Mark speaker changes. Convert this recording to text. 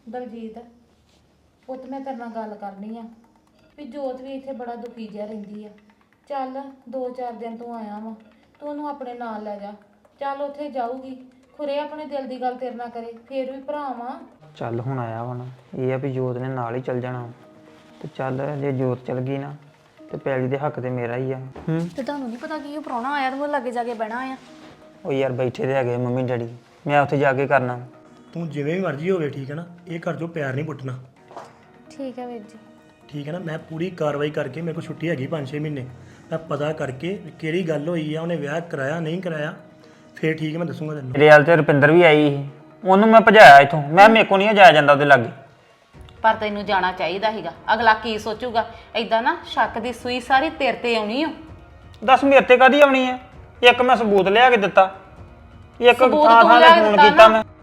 Speaker 1: ਦਲਜੀਤ ਪੁੱਤ ਮੈਂ ਤੇਰੇ ਨਾਲ ਗੱਲ ਕਰਨੀ ਆ ਵੀ ਜੋਤ ਵੀ ਇੱਥੇ ਬੜਾ ਦੁਖੀ ਜਿਹਾ ਰਹਿੰਦੀ ਆ। ਚੱਲ 2-4 ਦਿਨ ਤੂੰ ਆਇਆ ਵਾ, ਤੂੰ ਉਹਨੂੰ ਆਪਣੇ ਨਾਲ ਲੈ ਜਾ। ਚੱਲ ਉੱਥੇ ਜਾਊਗੀ, ਖੁਰੇ ਆਪਣੇ ਦਿਲ ਦੀ ਗੱਲ ਤੇਰੇ ਨਾਲ ਕਰੇ, ਫੇਰ ਵੀ ਭਰਾ ਵਾ।
Speaker 2: ਚੱਲ ਹੁਣ ਆਇਆ ਵਾ ਨਾ, ਇਹ ਆ ਵੀ ਜੋਤ ਨੇ ਨਾਲ ਹੀ ਚੱਲ ਜਾਣਾ ਤੇ ਚੱਲ ਜੇ ਜੋਤ ਚੱਲ ਗਈ ਨਾ ਤੇ ਪੈਲੀ ਦੇ ਹੱਕ ਤੇ ਮੇਰਾ ਹੀ ਆ।
Speaker 3: ਤੇ ਤੁਹਾਨੂੰ ਨਹੀਂ ਪਤਾ ਕਿ ਉਹ ਪ੍ਰਾਹੁਣਾ ਆਇਆ ਤੇ ਉਹ ਲੱਗੇ ਜਾ ਕੇ ਬਹਿਣਾ ਆ।
Speaker 2: ਉਹ ਯਾਰ ਬੈਠੇ ਤੇ ਹੈਗੇ ਮੰਮੀ ਡੈਡੀ, ਮੈਂ ਉੱਥੇ ਜਾ ਕੇ ਕਰਨਾ।
Speaker 4: ਤੂੰ ਜਿਵੇਂ ਵੀ ਮਰਜ਼ੀ ਹੋਵੇ ਠੀਕ ਹੈ ਨਾ, ਇਹ ਘਰ 'ਚੋਂ ਪਿਆਰ ਨਹੀਂ ਪੁੱਟਣਾ।
Speaker 3: ਠੀਕ ਹੈ ਵੀਰ ਜੀ।
Speaker 4: ਠੀਕ ਹੈ ਨਾ, ਮੈਂ ਪੂਰੀ ਕਾਰਵਾਈ ਕਰਕੇ, ਮੇਰੇ ਕੋਲ ਛੁੱਟੀ ਹੈਗੀ 5-6 ਮਹੀਨੇ, ਮੈਂ ਪਤਾ ਕਰਕੇ ਵੀ ਕਿਹੜੀ ਗੱਲ ਹੋਈ ਆ, ਉਹਨੇ ਵਿਆਹ ਕਰਾਇਆ ਨਹੀਂ ਕਰਾਇਆ, ਫੇਰ ਠੀਕ ਹੈ ਮੈਂ ਦੱਸੂਗਾ ਤੈਨੂੰ।
Speaker 2: ਮੇਰੇ ਹਾਲ ਤੇ ਰੁਪਿੰਦਰ ਵੀ ਆਈ ਸੀ, ਉਹਨੂੰ ਮੈਂ ਭਜਾਇਆ ਇੱਥੋਂ। ਮੇਰੇ ਕੋਲ ਨਹੀਂ ਜਾਇਆ ਜਾਂਦਾ ਉਹਦੇ ਲਾਗੇ।
Speaker 5: ਪਰ ਤੈਨੂੰ ਜਾਣਾ ਚਾਹੀਦਾ ਸੀਗਾ, ਅਗਲਾ ਕੀ ਸੋਚੂਗਾ। ਐਦਾਂ ਨਾ ਸ਼ੱਕ ਦੀ ਸੂਈ ਸਾਰੀ ਤੇਰੇ ਤੇ ਆਉਣੀ ਓ।
Speaker 2: ਦੱਸ ਮੇਰੇ ਤੇ ਕਾਹਦੀ ਆਉਣੀ ਹੈ? ਇੱਕ ਮੈਂ ਸਬੂਤ ਲਿਆ ਕੇ ਦਿੱਤਾ, ਇੱਕ
Speaker 5: ਸਬੂਤ
Speaker 2: ਥਾਂ
Speaker 5: ਤੂੰ
Speaker 2: ਥਾਂ
Speaker 5: ਲਿਆ
Speaker 2: ਤੇ
Speaker 5: ਕੇ
Speaker 2: ਫੋਨ
Speaker 5: ਦਿੱਤਾ
Speaker 2: ਕੀਤਾ
Speaker 5: ਨਾ।
Speaker 2: ਮੈਂ।